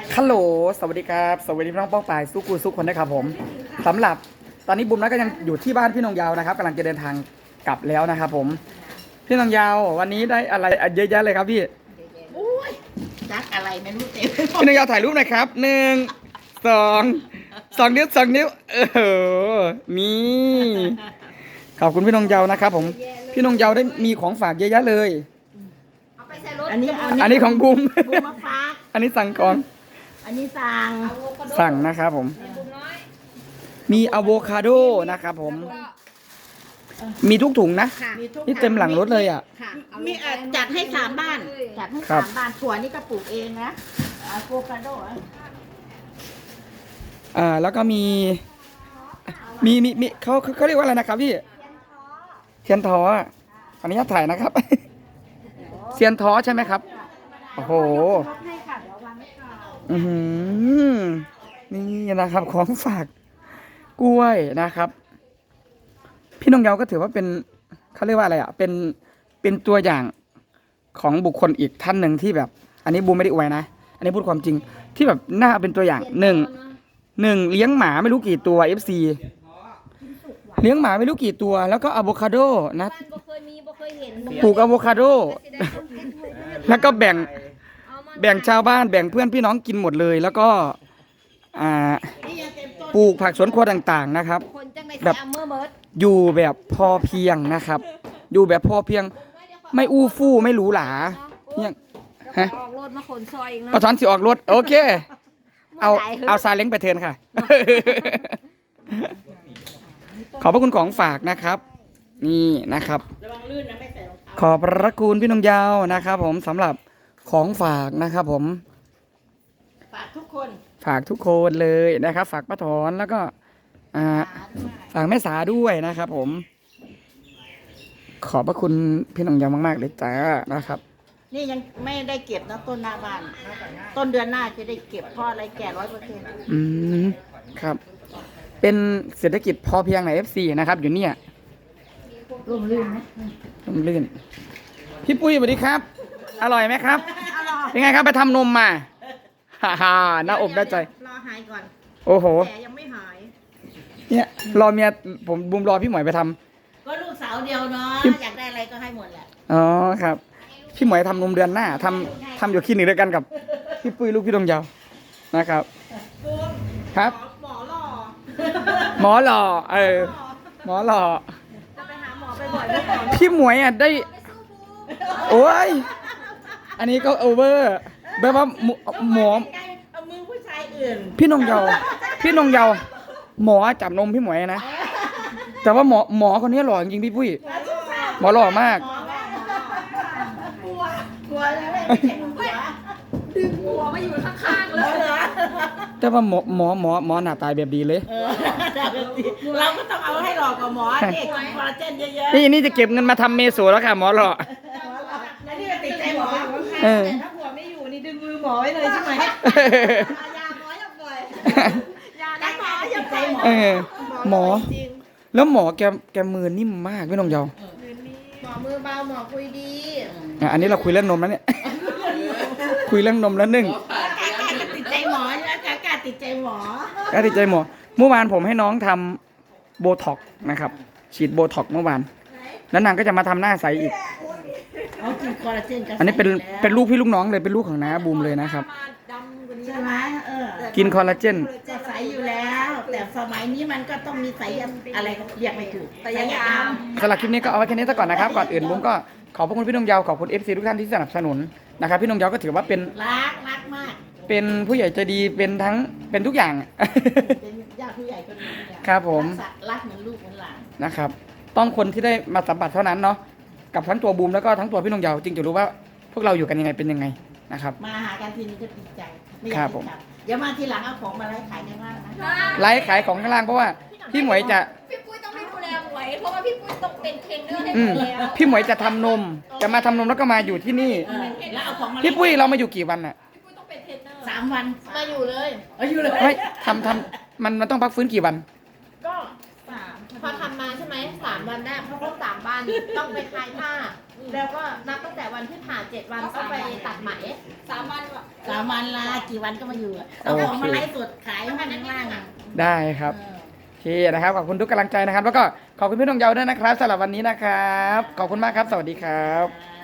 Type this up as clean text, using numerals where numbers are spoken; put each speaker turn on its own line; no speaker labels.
ฮัลโหลสวัสดีครับสวัสดีพี่น้องป้องปายสู้กูสู้คนนะครับผมสำหรับตอนนี้บุ๋มนะก็ยังอยู่ที่บ้านพี่นงยาวนะครับกำลังจะเดินทางกลับแล้วนะครับผมพี่นงยาววันนี้ได้อะไรเยอะแยะเลยครับพี่
อุ้ยจักอะไรไม่รู้เต็ม
พี่นงยาวถ่ายรูปหน่อยครับ1 2 นิ้ว2 นิ้วนี่ขอบคุณพี่นงยาวนะครับผมพี่นงยาวได้มีของฝากเยอะแยะเลย
อันนี้
ของบุ๋ม
บูมมาฝาก
อันนี้สั่งก่อน
อันนี้
สั่งนะครับผมมีอะโวคาโดนะครับผมมีทุกถุงนะนี่เต็มหลังรถเลยอ่ะ
มีจัดให้3 บ้านจัดให้3 บ้านถั่วนี่ก็ปลูกเองนะอะโวคาโด
แล้วก็มีเขาเรียกว่าอะไรนะครับพี่เทียนท้อขออนุญาตถ่ายนะครับเทียนท้อใช่ไหมครับโอ้โหนี่นะครับของฝากกล้วยนะครับพี่นงเยาก็ถือว่าเป็นเขาเรียกว่าอะไรอ่ะเป็นตัวอย่างของบุคคลอีกท่านหนึ่งที่แบบอันนี้บูมไม่ได้อวยนะอันนี้พูดความจริงที่แบบน่าเป็นตัวอย่างหนึ่งเลี้ยงหมาไม่รู้กี่ตัว FC เลี้ยงหมาไม่รู้กี่ตัวแล้วก็อะโวคาโดนะปลูกอะโวคาโดแล้วก็แบ่งชาวบ้านแบ่งเพื่อนพี่น้องกินหมดเลยแล้วก็ปลูกผักสวนครัวต่างๆนะครับแบบอยู่แบบพอเพียงนะครับอยู่แบบพอเพียงไม่อู้ฟู่ไม่หรูหราเนี่ยฮะ
ออกรถมาขนซอยอีกนะ
เอาช้อนสิออกรถโอเคเอาซาเล้งไปเทินค่ะ ขอบพระคุณของฝากนะครับนี่นะครับขอบพระคุณพี่นงยาวนะครับผมสำหรับของฝากนะครับผม
ฝากทุกคน
ฝากทุกคนเลยนะครับฝากป้าถอนแล้วก็ฝากแม่สาด้วยนะครับผมขอบพระคุณพี่นงยาวมากๆเลยจ้านะครับ
นี่ยังไม่ได้เก็บนะต้นหน้าบ้านต้นเดือนหน้าจะได้เก็บเพราะอะไรแก่100%
ครับเป็นเศรษฐกิจพอเพียงใน FC นะครับอยู่เนี่ย
ร่มรื่นไหม
ร่มรื่นพี่ปุ้ยสวัสดีครับอร่อยไหมครับเป็นไงครับไปทำนมมาฮ่าหน้าอกได้ใจ
รอหายก่อน
โอ้โห
แต่ยังไม่หาย
เนี่ยรอเมียผมบุมรอพี่หมวยไปท
ำก็ลูกสาวเดียวเนาะอยากได้อะไรก็ให้หมดแหละ
อ๋อครับพี่หมวยทำนมเดือนหน้าทำอยู่คลินิกด้วยกันกับพี่ปุ้ยลูกพี่ดงยาวนะครับครับหมอหล่อหมอหล่อ
จะไปหาหมอไปบ่อยไหม
พี่หมวยได้โอ้ยอันนี้ก็โอเวอร์แบบว่าหมอ
เอามือผู้ชายอื่น
พี่นงเยาหมอจับนมพี่หมวยนะแต่ว่าหมอคนนี้หล่อจริงพี่ปุ้ยหมอหล่อมาก
กลัวแล้วไม่ใช่หัว
ดึงหัวมาอยู่ข้างๆเลย
แต่ว่าหมอหน้าตายแบบดีเลย
เราก็ต้องเอาให้หล่อกว่าหมอเด็กคอลลาเจนเยอะ
ๆนี่จะเก็บเงินมาทำเมโสแล้วค่ะหมอหล่อ
แล้วนี่ก็ติดใจหมอ
แต่ถ้าหัวไม่อยู่นี่ดึงมือหมอไว้เลยใช่ไหมยาหมออย่าปล่อยยาหมออย่าปล่อย
หมอแล้วหมอแกมือนิ่มมากพี่นงเยา
หมอมือเบาหมอคุยดี
อันนี้เราคุยเรื่องนมแล้วเนี่ยคุยเรื่องนมแล้ว1
ติดใจหมอใช่ไหมกาติดใจหมอ
ติดใจหมอเมื่อวานผมให้น้องทำโบท็อกนะครับฉีดโบท็อกเมื่อวานแล้วนางก็จะมาทำหน้าใสอีกอันนี้เป็นลูกพี่ลูกน้องเลยเป็นลูกของน้าบูมเลยนะครับ
ใช่ไหม
กินคอลลาเจน
จะใสอยู่แล้วแต่สมัยนี้มันก็ต้องมีใสอะไรเรียกไม่ถูกแต่ยังตาม
สำหรับคลิปนี้ก็เอาไว้แค่นี้ซะก่อนนะครับก่อนอื่นบูมก็ขอบพระคุณพี่นงเยาขอบคุณ FC ทุกท่านที่สนับสนุนนะครับพี่นงเยาก็ถือว่าเป็น
รักมาก
เป็นผู้ใหญ่ใจดีเป็นทุกอย่าง
เป็นญาติผู้ใหญ่คนนึง
ครับผม
รักเหมือนลูกเหมือนหลาน
นะครับต้องคนที่ได้มาสัมผัสเท่านั้นเนาะกับทั้งตัวบูมแล้วก็ทั้งตัวพี่นงเยาจึงจะรู้ว่าพวกเราอยู่กันยังไงเป็นยังไงนะครับ
มาหากันทีนี้ก็ดีใจไม่อยากกลับเดี๋ยวมาทีหลังเอาของมาไล่ขายในบ้านนะ
ไล่ขายของข้างล่างเพราะว่าพี่หมวยจะ
พี่ปุ้ยต้องดูแลหมวยเพราะว่าพี่ปุ้ยต้องเป็นเทรนเนอร์ให้หมวยแล้ว
พี่หมวยจะทำนมจะมาทำนมแล้วก็มาอยู่ที่นี่พี่ปุ้ยเรามาอยู่กี่วันอ่ะ
พี่ปุ้ยต้องเป็นเทรนเนอร์
3 วัน
มาอยู่เลย
ไม่ทำมันต้องพักฟื้นกี่วัน
ก็3พอทำมาใช่ไหม3 วันได้เพราะต้อง3 บ้านวันต้องไปคลายผ้า แล้วก็นับตั้งแต่วันที่ผ่า7 วันก็ไปตัดไหม
3 วันลากี่วันก็มาอยู่อะเอาของมาไลฟ์สดขายให้มันข้างล่างอะ
ได้ครับโอเคนะครับขอบคุณทุกกำลังใจนะครับ แล้วก็ขอบคุณพี่น้องเยาด้วยนะครับสำหรับวันนี้นะครับ ขอบคุณมากครับ สวัสดีครับ
อ่า